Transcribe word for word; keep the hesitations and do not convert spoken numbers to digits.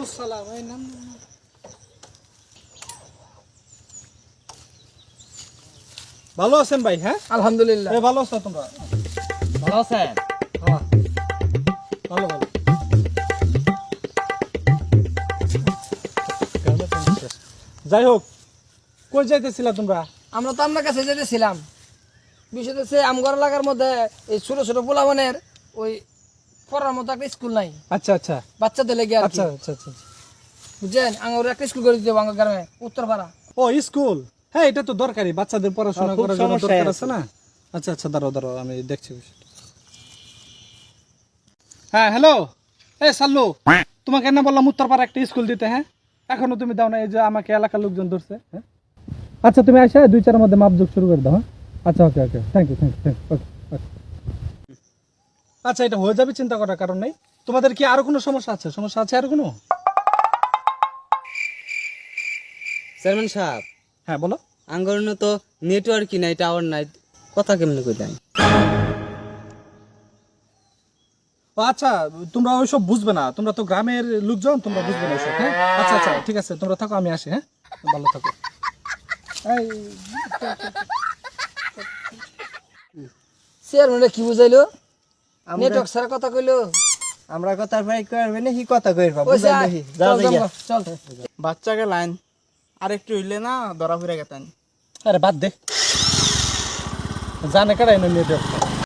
আসসালাম। এই নাম ভালো আছেন ভাই? হ্যাঁ আলহামদুলিল্লাহ। এই ভালো আছো তোমরা? ভালো আছেন? হ্যাঁ ভালো ভালো। যাই হোক, কই যাইতেছিলা তোমরা? আমরা তো আপনার কাছে যেতেছিলাম, বিষয় হচ্ছে আমগর এলাকার মধ্যে এই ছোট ছোট পোলাবনের ওই পড়ার মতো একটা স্কুল নাই, আচ্ছা আচ্ছা বাচ্চাদের লেগে আর কি। আচ্ছা আচ্ছা আচ্ছা বুঝছেন, আমার একটা স্কুল করে দিতে হবে আমার গ্রামে উত্তরপাড়া। ও স্কুল, হ্যাঁ এটা তো দরকারি, বাচ্চাদের পড়াশোনা করার জন্য দরকার আছে না। আচ্ছা আচ্ছা দাঁড়াও দাঁড়াও, আমি দেখছি বিষয়টা। হ্যাঁ হ্যালো, এই সাল্লু, তোমাকে না বললাম উত্তরপাড়া একটা স্কুল দিতে? হ্যাঁ এখনো তুমি দাও না, এই যে আমাকে এলাকার লোকজন ধরছে। হ্যাঁ আচ্ছা তুমি আসে দুই চারের মধ্যে মাপযোগ শুরু করে দাও। হ্যাঁ আচ্ছা okay okay, thank you thank you thank you, okay okay. আচ্ছা এটা হয়ে যাবে, চিন্তা করার কারণ নেই। তোমাদের কি আরো কোনো সমস্যা আছে? সমস্যা আছে আর কোনো? চেয়ারম্যান সাহেব, হ্যাঁ বলো। আঙ্গরনে তো নেটওয়ার্কই নাই, টাওয়ার নাই, কথা কেমনে কইলাই? ও আচ্ছা, তোমরা ওইসব বুঝবে না, তোমরা তো গ্রামের লোকজন, তোমরা বুঝবে না ওইসব। হ্যাঁ আচ্ছা আচ্ছা ঠিক আছে, তোমরা থাকো, আমি আসি। হ্যাঁ ভালো থাকো। এই চেয়ারম্যান কি বুঝাইলো? নেটওয়ার্ক ছাড়া কথা কইলো। আমরা কথা ভাই করবে না, কি কথা কইবা? ওই যা, চল চল চল। বাচ্চাকে লাইন আর একটু হইলে না ধরা ফিরে গেতেন। আরে বাদ দে, জানে কারাই না নেটওয়ার্ক।